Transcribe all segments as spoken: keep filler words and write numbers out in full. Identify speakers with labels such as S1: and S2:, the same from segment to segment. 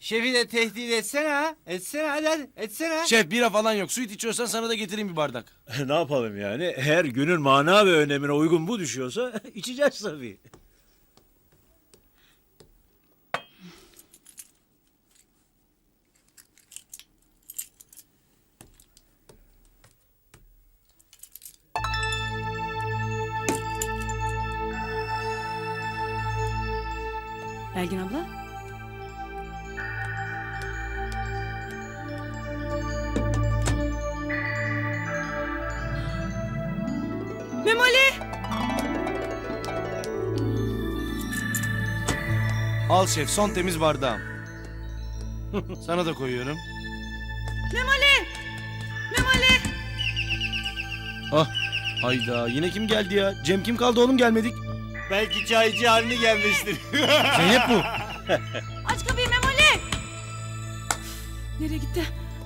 S1: Şefi de tehdit etsene ha. Etsene hadi hadi etsene.
S2: Şef bira falan yok. Süt içiyorsan sana da getireyim bir bardak.
S3: Ne yapalım yani? Eğer günün mana ve önemine uygun bu düşüyorsa içeceğiz tabii.
S4: Belgin abla. Memoli!
S2: Al şef son temiz bardağım. Sana da koyuyorum.
S4: Memoli! Memoli!
S2: Ah hayda yine kim geldi ya? Cem kim kaldı oğlum gelmedik.
S1: Belki çaycı haline gelmiştir.
S2: Zeynep bu.
S4: Aç kapıyı Memoli! Nereye gitti?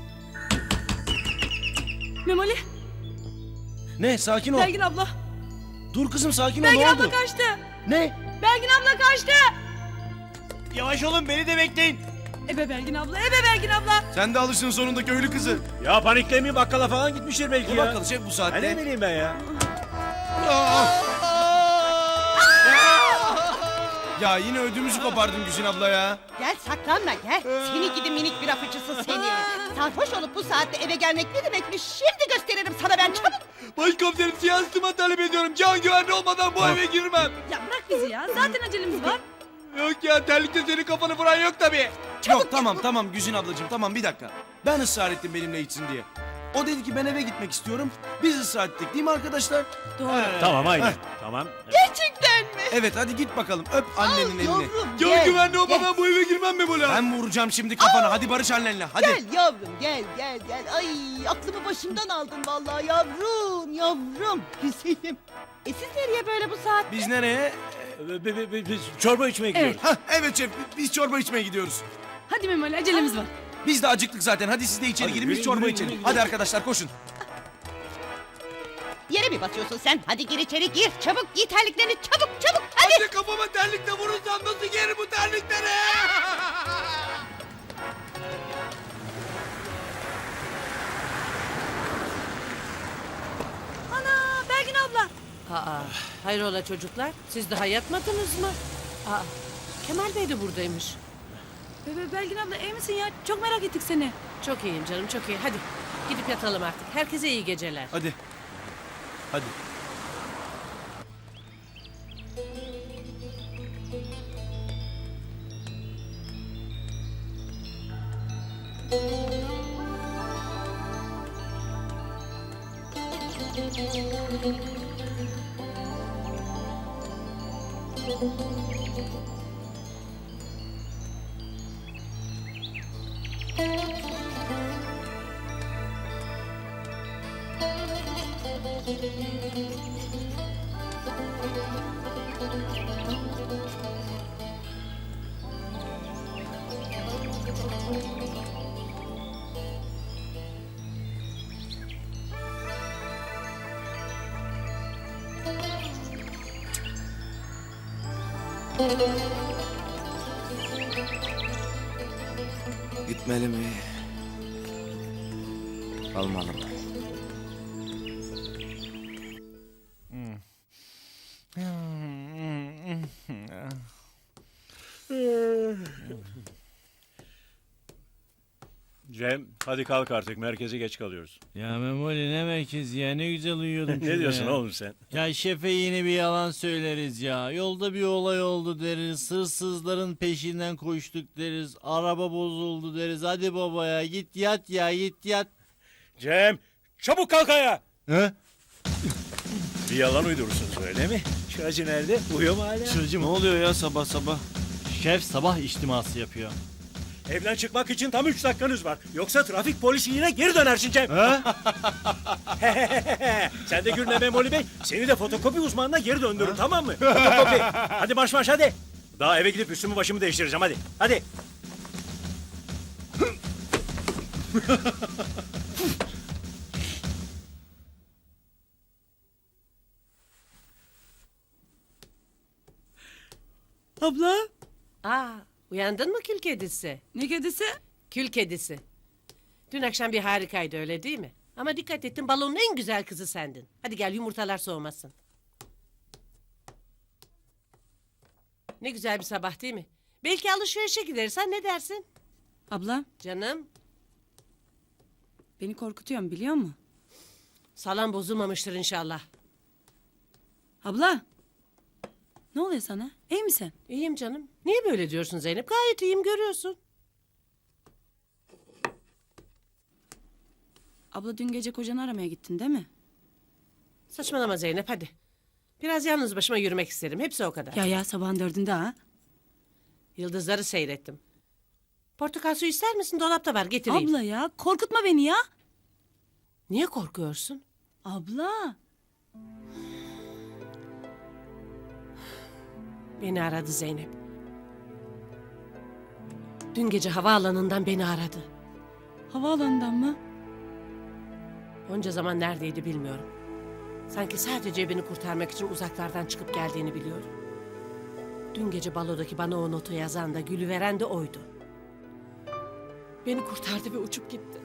S4: Memoli!
S2: Ne sakin ol.
S4: Belgin abla!
S2: Dur kızım sakin ol
S4: Belgin
S2: ne
S4: abla
S2: oldu?
S4: kaçtı!
S2: Ne?
S4: Belgin abla kaçtı!
S1: Yavaş olun beni de bekleyin.
S4: Ebe Belgin abla, ebe Belgin abla!
S2: Sen de alışın sonunda köylü kızı.
S3: Ya paniklemeyin, bakkala falan gitmiştir belki
S2: Ne
S3: ya.
S2: bakalım şef bu
S3: Ha,
S2: saatte.
S3: ne bileyim ben ya.
S2: Ya yine ödümüzü kopardın Güzin abla ya.
S5: Gel saklanma gel. Seni gidi minik bir afıcısı seni. Sarhoş olup bu saatte eve gelmek ne demekmiş? Şimdi gösteririm sana ben çabuk.
S1: Başkomiserim siyasetima talep ediyorum. Can güvenli olmadan bu eve girmem.
S4: Ya bırak bizi ya, zaten acelemiz var.
S1: Yok ya terlikte senin kafanı vuran yok tabii.
S2: Yok tamam tamam Güzin ablacığım tamam bir dakika. Ben ısrar ettim benimle içsin diye. O dedi ki ben eve gitmek istiyorum. Biz ısrar ettik değil mi arkadaşlar?
S4: Doğru.
S3: Tamam aynen. Tamam.
S5: Gerçekten mi?
S2: Evet hadi git bakalım öp annenin elini.
S5: Yavrum
S1: Can
S5: gel.
S1: güvenli olmadan bu eve girmem mi Mola?
S2: Ben vuracağım şimdi kafana. Hadi barış annenle hadi.
S5: Gel yavrum gel gel gel. Ay aklımı başımdan aldın vallahi yavrum yavrum. Güzelim. E siz nereye böyle bu saatte?
S2: Biz nereye?
S3: Bi- bi- bi- Biz çorba içmeye gidiyoruz.
S2: Hah evet şef biz çorba içmeye gidiyoruz.
S4: Hadi Memoli, acelemiz var.
S2: Biz de acıktık zaten. Hadi siz de içeri
S3: Hadi
S2: girin biz
S3: yürü,
S2: çorba
S3: yürü,
S2: içelim.
S3: yürü,
S2: Hadi
S3: yürü.
S2: arkadaşlar koşun.
S5: Yere mi basıyorsun sen? Hadi gir içeri gir. Çabuk giy terliklerini çabuk çabuk. Hadi.
S1: Hadi kafama terlikle vurursam nasıl giyerim bu terlikleri?
S4: Ana, Belgin abla.
S6: Aa, hayrola çocuklar? Siz daha yatmadınız mı? Aa, Kemal Bey de buradaymış.
S4: Bebe Belgin abla iyi misin ya? Çok merak ettik seni.
S6: Çok iyiyim canım, çok iyi. Hadi gidip yatalım artık. Herkese iyi geceler.
S2: Hadi. Hadi. Gitmeli mi? Kalmalı mı?
S3: Cem hadi kalk artık, merkeze geç kalıyoruz.
S7: Ya Memoli ne merkezi ya, ne güzel uyuyordum şurada
S3: Ne diyorsun
S7: ya.
S3: oğlum sen?
S7: Ya şefe yine bir yalan söyleriz ya. Yolda bir olay oldu deriz. Hırsızların peşinden koştuk deriz. Araba bozuldu deriz. Hadi baba ya git yat ya git yat.
S3: Cem çabuk kalk ayağa.
S2: He?
S3: Bir yalan uydurursunuz öyle mi? Şu acı nerede? Uyuyor mu hala?
S7: Çocuğum
S2: Ne oluyor ya sabah sabah?
S7: şef sabah içtiması yapıyor.
S3: Evden çıkmak için tam üç dakikanız var. Yoksa trafik polisi yine geri dönersin Cem. Sen de gülme Memoli Bey. Seni de fotokopi uzmanına geri döndürün, tamam mı? Fotokopi. Hadi marş marş hadi. Daha eve gidip üstümü başımı değiştireceğim hadi. Hadi.
S4: Abla.
S6: Aa, Uyandın mı kül kedisi?
S4: Ne kedisi?
S6: Kül kedisi. Dün akşam bir harikaydı öyle değil mi? Ama dikkat ettim balonun en güzel kızı sendin. Hadi gel yumurtalar soğumasın. Ne güzel bir sabah değil mi? Belki alışverişe gideriz, ha ne dersin?
S4: Abla
S6: Canım,
S4: beni korkutuyorsun biliyor musun?
S6: salam bozulmamıştır inşallah.
S4: Abla. Ne oluyor sana? İyi misin?
S6: İyiyim canım. Niye böyle diyorsun Zeynep? Gayet iyiyim görüyorsun.
S4: Abla dün gece kocanı aramaya gittin değil mi?
S6: Saçmalama Zeynep hadi. Biraz yalnız başıma yürümek isterim. Hepsi o kadar.
S4: Ya ya sabahın dördünde ha.
S6: Yıldızları seyrettim. Portakal suyu ister misin? Dolapta var getireyim.
S4: Abla ya korkutma beni ya.
S6: Niye korkuyorsun?
S4: Abla.
S6: Beni aradı Zeynep. Dün gece havaalanından beni aradı.
S4: Havaalanından mı?
S6: Onca zaman neredeydi bilmiyorum. Sanki sadece beni kurtarmak için uzaklardan çıkıp geldiğini biliyorum. Dün gece balodaki bana o notu yazan da gülüveren de oydu. Beni kurtardı ve uçup gitti.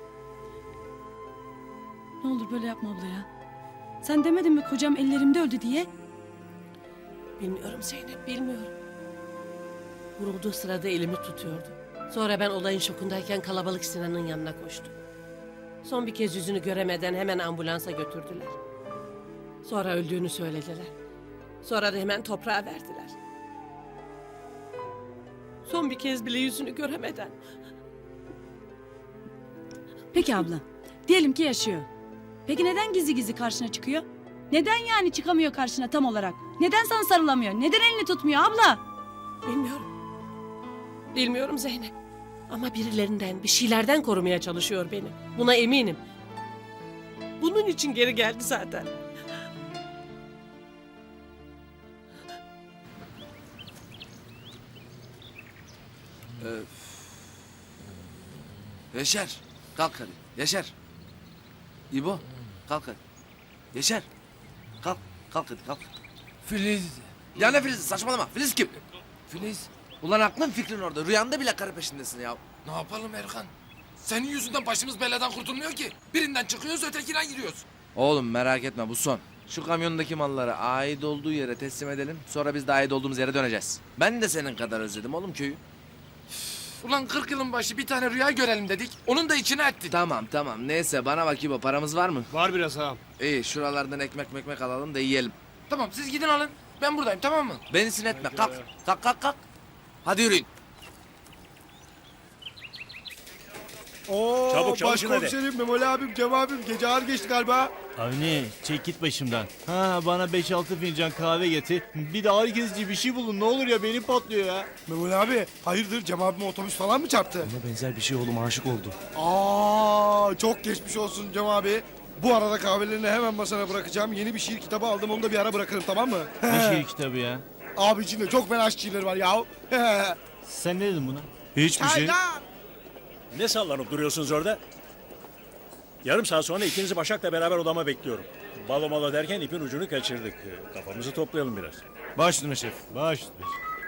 S4: Ne olur böyle yapma abla ya. Sen demedin mi kocam ellerimde öldü diye?
S6: Bilmiyorum Zeynep, bilmiyorum. Vurulduğu sırada elimi tutuyordu. Sonra ben olayın şokundayken kalabalık Sinan'ın yanına koştum. Son bir kez yüzünü göremeden hemen ambulansa götürdüler. Sonra öldüğünü söylediler. Sonra da hemen toprağa verdiler. Son bir kez bile yüzünü göremeden.
S4: Peki abla. Diyelim ki yaşıyor. Peki neden gizli gizli karşına çıkıyor? Neden yani çıkamıyor karşına tam olarak? Neden sana sarılamıyor? Neden elini tutmuyor abla?
S6: Bilmiyorum. Bilmiyorum Zeynep. Ama birilerinden, bir şeylerden korumaya çalışıyor beni. Buna eminim. Bunun için geri geldi zaten.
S1: Yaşar. Kalk hadi. Yaşar. İbo. Kalk hadi. Yaşar. Kalk. Kalk hadi kalk.
S8: Filiz.
S1: Ya ne Filiz? Saçmalama. Filiz kim?
S8: Filiz.
S1: Ulan aklın fikrin orada. Rüyanda bile karı peşindesin ya.
S8: Ne yapalım Erkan? Senin yüzünden başımız beladan kurtulmuyor ki. Birinden çıkıyoruz ötekine giriyoruz.
S1: Oğlum merak etme bu son. Şu kamyondaki malları ait olduğu yere teslim edelim. Sonra biz de ait olduğumuz yere döneceğiz. Ben de senin kadar özledim oğlum köyü.
S8: Ulan kırk yılın başı bir tane rüya görelim dedik. Onun da içine ettik.
S1: Tamam tamam. Neyse bana bak İbo. Paramız var mı?
S3: Var biraz ağam.
S1: İyi şuralardan ekmek mekmek alalım da yiyelim.
S8: Tamam siz gidin alın. Ben buradayım tamam mı?
S1: Beni sinetme. Kalk. Kalk kalk kalk. Hadi yürüyün.
S9: Oo,
S3: Çabuk çalışın hadi.
S9: başkomiserim, Memoli abim, Cem abim gece ağır geçti galiba.
S7: Avni çek git başımdan. Ha bana beş altı fincan kahve getir. Bir de ağrı kesici bir şey bulun ne olur ya benim patlıyor ya.
S9: Memoli abi hayırdır Cem abime otobüs falan mı çarptı?
S3: Buna benzer bir şey oğlum aşık oldu.
S9: Aa, çok geçmiş olsun Cem abi. Bu arada kahvelerini hemen masana bırakacağım. Yeni bir şiir kitabı aldım onu da bir ara bırakırım tamam mı?
S7: Ne şiir kitabı ya?
S9: Abi içinde çok fena şiirler var ya.
S7: Sen ne dedin buna?
S3: Hiçbir şey.
S9: Çaylar.
S3: Ne sallanıp duruyorsunuz orada? Yarım saat sonra ikinizi Başak'la beraber odama bekliyorum. Balo malo derken ipin ucunu kaçırdık. Ee, Kafamızı toplayalım biraz.
S2: Baş üstüne şef.
S7: Baş üstüne.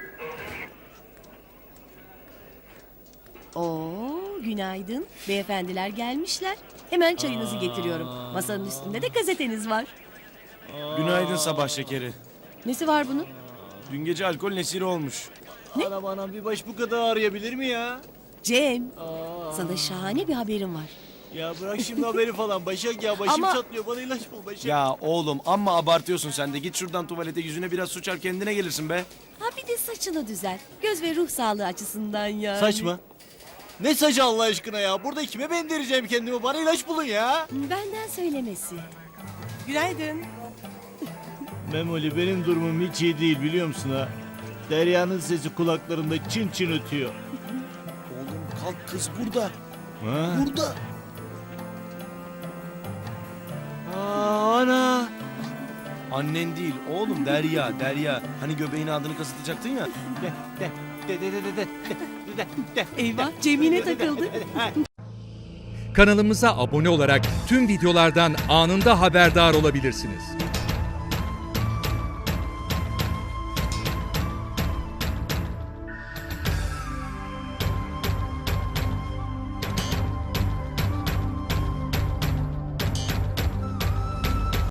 S10: Oo, günaydın. Beyefendiler gelmişler. Hemen çayınızı getiriyorum. Masanın üstünde de gazeteniz var.
S2: Günaydın sabah şekeri.
S10: Nesi var bunun?
S2: Dün gece alkol nesiri olmuş.
S7: Anam anam bir baş bu kadar ağrıyabilir mi ya?
S10: Cem, sana şahane bir haberim var.
S7: Ya bırak şimdi haberi falan Başak ya başım
S10: Ama-
S7: çatlıyor bana ilaç bul Başak.
S2: Ya oğlum amma abartıyorsun sen de. Git şuradan tuvalete yüzüne biraz su çar kendine gelirsin be.
S10: Ha bir de saçını düzelt. Göz ve ruh sağlığı açısından yani.
S7: Saç mı? Ne saçı Allah aşkına ya? Burada kime bendireceğim kendimi? Bana ilaç bulun ya.
S10: Benden söylemesi.
S6: Günaydın.
S7: Memoli benim durumum hiç iyi değil biliyor musun ha? Derya'nın sesi kulaklarımda çın çın ötüyor.
S2: Oğlum kalk kız burada.
S7: Ha?
S2: Burada. Aa, ana. Annen değil oğlum Derya Derya. Hani göbeğine adını kasıtacaktın ya.
S7: De, de, de, de, de, de, de, de, de.
S10: Eyvah, Cemile takıldı.
S11: Kanalımıza abone olarak tüm videolardan anında haberdar olabilirsiniz.